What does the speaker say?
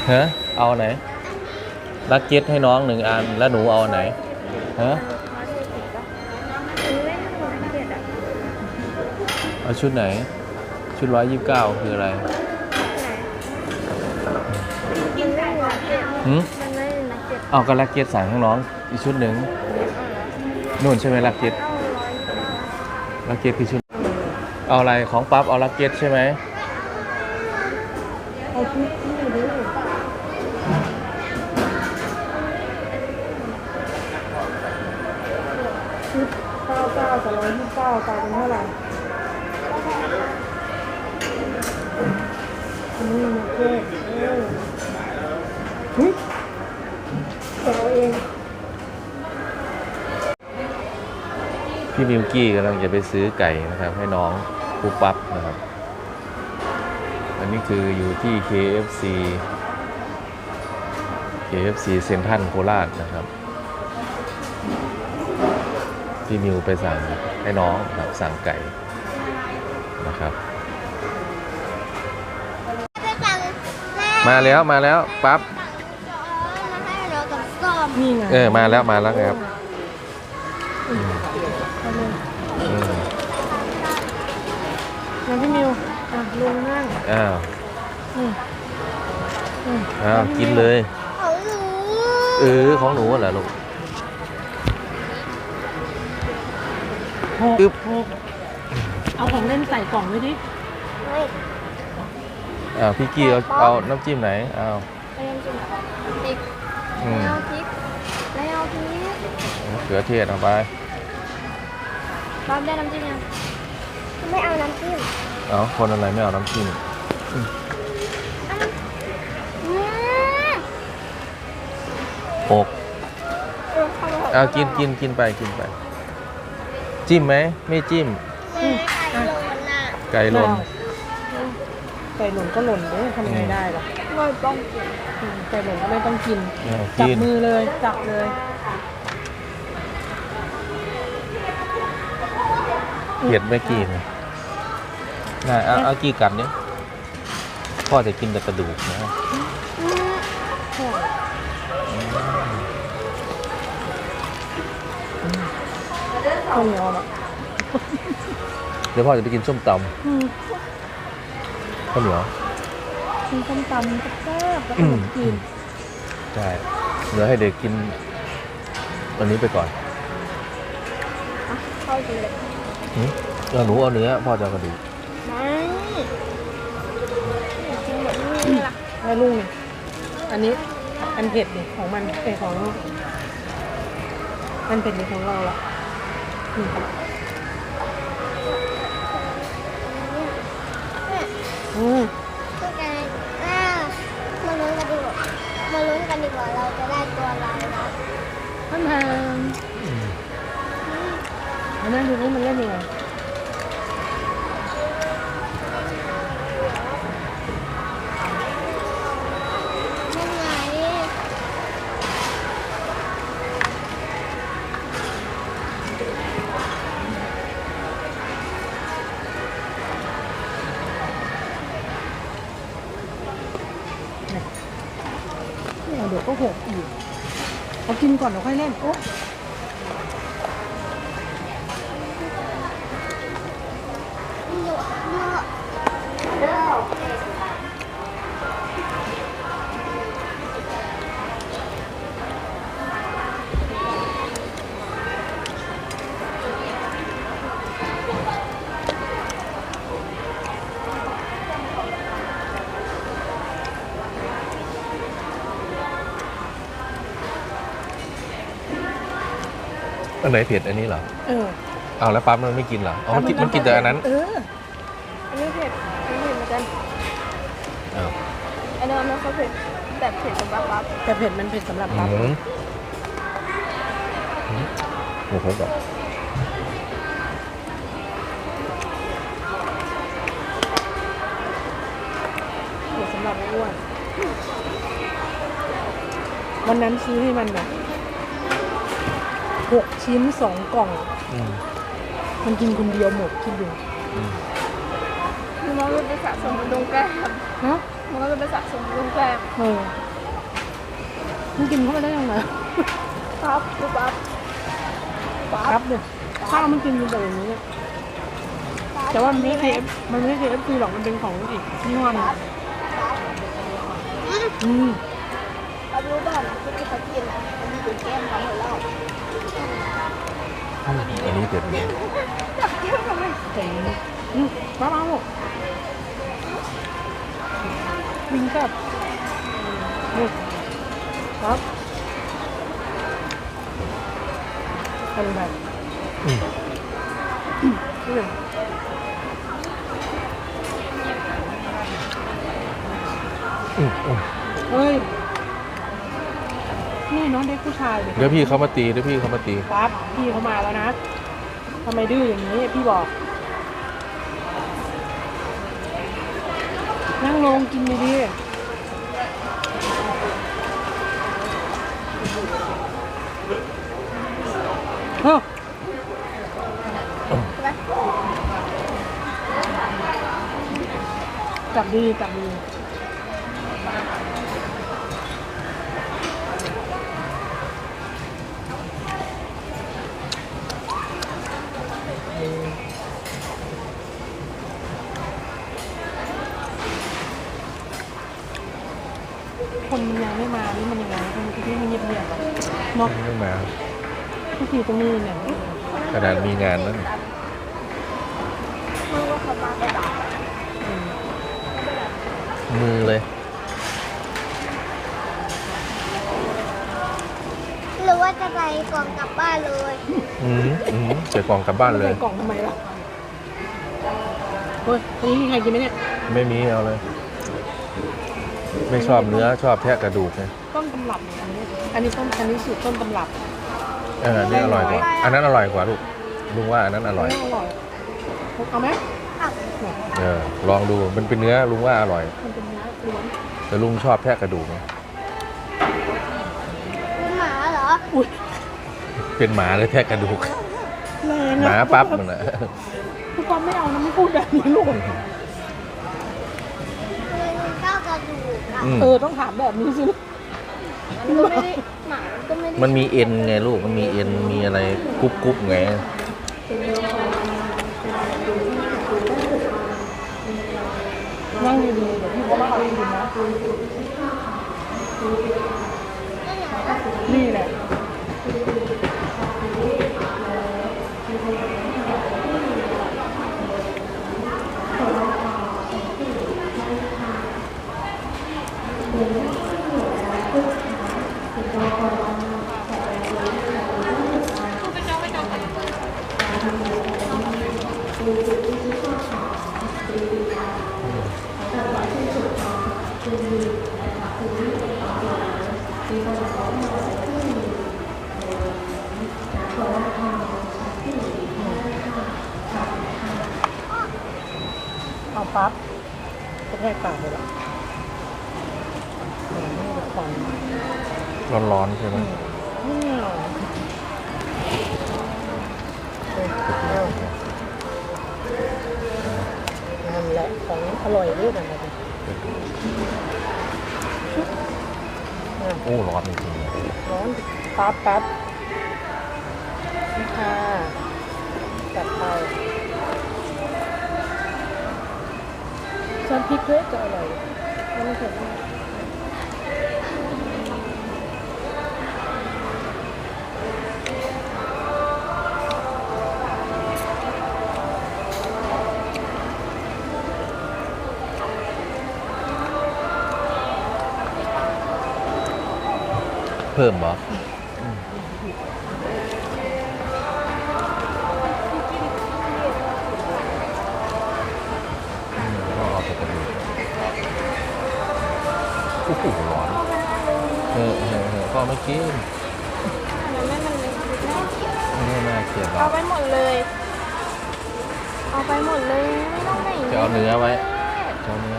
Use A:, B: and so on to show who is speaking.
A: ฮะเอาไหนลักเก็ตให้น้อง1 อันแล้วหนูเอาไหนฮะเอาชุดไหนชุด129คืออะไรเอาก็ลักเก็ตสั่งให้น้องอีกชุดหนึ่งนู่นใช่ไหมลักเก็ตคือชุดเอาอะไรของปั๊บเอาลักเก็ตใช่ไหม
B: เอาชุดที่ดูชุด99 กับ129กลายเป็นเท่าไหร่อันนี้มาเก็ตเฮ้ยแต่เอาเอง
A: พี่มิวกี้กำลังจะไปซื้อไก่นะครับให้น้องปุ๊บปั๊บนะครับอันนี้คืออยู่ที่ KFC เซ็นทรัลโคราชนะครับพี่มิวไปสั่งให้น้องครับสั่งไก่นะครับมาแล้วปั๊บ
B: นี่ไง
A: มาแล้วครับ
B: มาพี่มิวลงนั่ง
A: กินเลยของหนูเหรอลูก
B: เอาของเล่นใส่กล่องไว้ดิ
A: พี่กี้เอาน้ำจิ้มไหนเอา
C: พริกไม่เอาพริก
A: เขือเทศเอาไป
C: บ๊อบได้น้ำจิ้มยังไม่เอาน้ำจิ้ม
A: คนอะไรไม่เอาน้ำจิ้มกินไปจิ้มไหมไม่จิ้มไก่หล่น
B: ก็หล่นเลยทำไงได้ล่ะ
C: ไม่ต้องกิน
B: ไก่หล่นก็ไม่ต้องกินจับมือเลยจับเลย
A: เผ็ดไม่กินเอากี่กัดเนี่ยพ่อจะกินแต่กระดูกนะ
B: ข้าวเหนียวอ่ะ
A: เดี๋ยวพ่อจะไปกินส้มตำข้าวเหนียว
B: กินส้มตำแซ่บแล้วก็กิน
A: ใช่เหลือให้เด็กกินวันนี้ไปก่อน
C: เข้ากินเลย
A: หนูเอาเนื้อพ่อจะกระดูก
C: ไม่กินแบบนี้ล่ะ
B: ให้ลุงอันนี้อันเผ็ดดิของมันของมันเผ็ดดิของเราละ
C: พวกแกมาลุ้นกันดีกว่าเราจะได้ตัวอะไรนะ
B: อันนั้นดูนี่มันเล่นยังไงเดี๋ยวก็หกอีกเอากินก่อนเดี๋ยวค่อยเล่นโอ้
A: อันไหนเผ็ดอันนี้เหรอเอาแล้วปั๊บมันไม่กินเหรอมันกินแต่อันนั้น
C: อันนี้เผ็ดเหมือนกันอันนี้มันเขาเผ็ดแต่เผ็ดสำหรับปั๊บ
B: แต่เผ็ดมันเผ็ดสำหรับปั๊บ
A: โอ้โหแบบ
B: เผ็ดสำหรับอ้วนวันนั้นซื้อให้มันแบบ6 ชิ้น 2 กล่องมันกินคนเดียวหมดคิดดู
C: น้องรู้ไปสะสมตรงแก้ม
B: ฮะ
D: มันก็จะไปสะสมเครื่องแกล้ง
B: มันกินเข้าไปได้ยังไง
D: ปั๊บปั๊บปั๊
B: ครับ บเนี่ยข้าวมันกินอยู่แบบนี้เนี่ยแต่ว่ามันไม่ใช่ KF มันไม่ใช่ KFC หรอกมันเป็นของอีกยี่ห้อหนึงอืม
D: เรารู้ป่ะที่เขากินอ่ะมันมีเป็นแก้มเขาหมดแล้ว
A: อันนี้เด็ดเลย
D: จับแก้มทำไม
B: เจ๋งมาบ้าลูกวิงกับนี่ครับเป็นแบบ
A: อืม
B: นี่เลย
A: อืมอืม
B: เฮ้ย นี่น้องเด็กผู้ชาย
A: เดี๋ยวพี่เขามาตีเดี๋ยวพี่เขามาตี
B: ครับพี่เขามาแล้วนะทำไมดื้ออย่างนี้พี่บอก นั่งลงกินดีๆเฮ้ยจับดีจับดีคนมันยังไม่มานี่มันยังไงคนที่มันเงียบๆอะเนาะ
A: ไม่มา
B: ทุกทีตรงนี้เนี่ย
A: ขนาดมีงานแล้วนี่
D: มึงว่าเขามาไปด่า
A: มือเลย
C: หรือว่าจะไปกล่องกลับบ้านเลย
A: ใส่กล่องกลับบ้านเลย
B: ใส่กล่องทำไมล่ะเฮ้ยอันนี้มีใครกินไหมเนี่ย
A: ไม่มีเอาเลย ไม่ชอบเนื้อชอบแทะกระดูกไง
B: ต้นตำรับอันนี้อันนี้สูตรต้นตำรับ
A: นี่อร่อยกว่า อันนั้นอร่อยกว่าลูกลุงว่าอันนั้นอร่อย
B: อร่อยเอาไหม
A: ลองดูมันเป็นเนื้อลุงว่าอร่อย
B: มันเป็นเนื้อล้วน
A: แต่ลุงชอบแทะกระดูกไง
C: เป็นหมาเหรอ
B: อุ้ย
A: เป็นหมาเลยแทะกระดูก
B: แรง
A: หมาปั๊บมันอะ
B: ทุกคนไม่เอานะไม่พูดแบบนี้ลูก
C: คือข้าวกระดูกอะ
B: ต้องถามแบบนี้สิ
D: มันก็ไม่ได้หมามันก็ไม่ได้
A: มันมีเอ็นไงลูกมันมีเอ็นมีอะไรกรุบกรุบไง
B: นั่งดีๆเดี๋ยวพี่เขามาเอากินนะนี่แหละเอาปั๊บจะแทกปากเลยล่ะไม่ได้ควัน
A: ร้อนๆใช่ไหม
B: นั่นแหละของอร่อยด้วยกันนะ
A: โอ้ร้อนจริงๆเลย
B: ร้อนปั๊บปั๊บนี่ค่ะจัดไปซอสพริกด้วยจะอร่อยไม่เผ็ดมาก
A: เพิ่มเหรอก็เอาไปกระดูกโอ้โหร้อนก็ไม่กิน
D: มันไม่มันเลย
A: ไม่น่าเกลียดหรอ
D: เอา
A: ก
D: ไปหมดเลย เอาไปหมดเลยไม่ต้องไหน
A: จะเอาเนื้อไว้จะเอาเนื้อ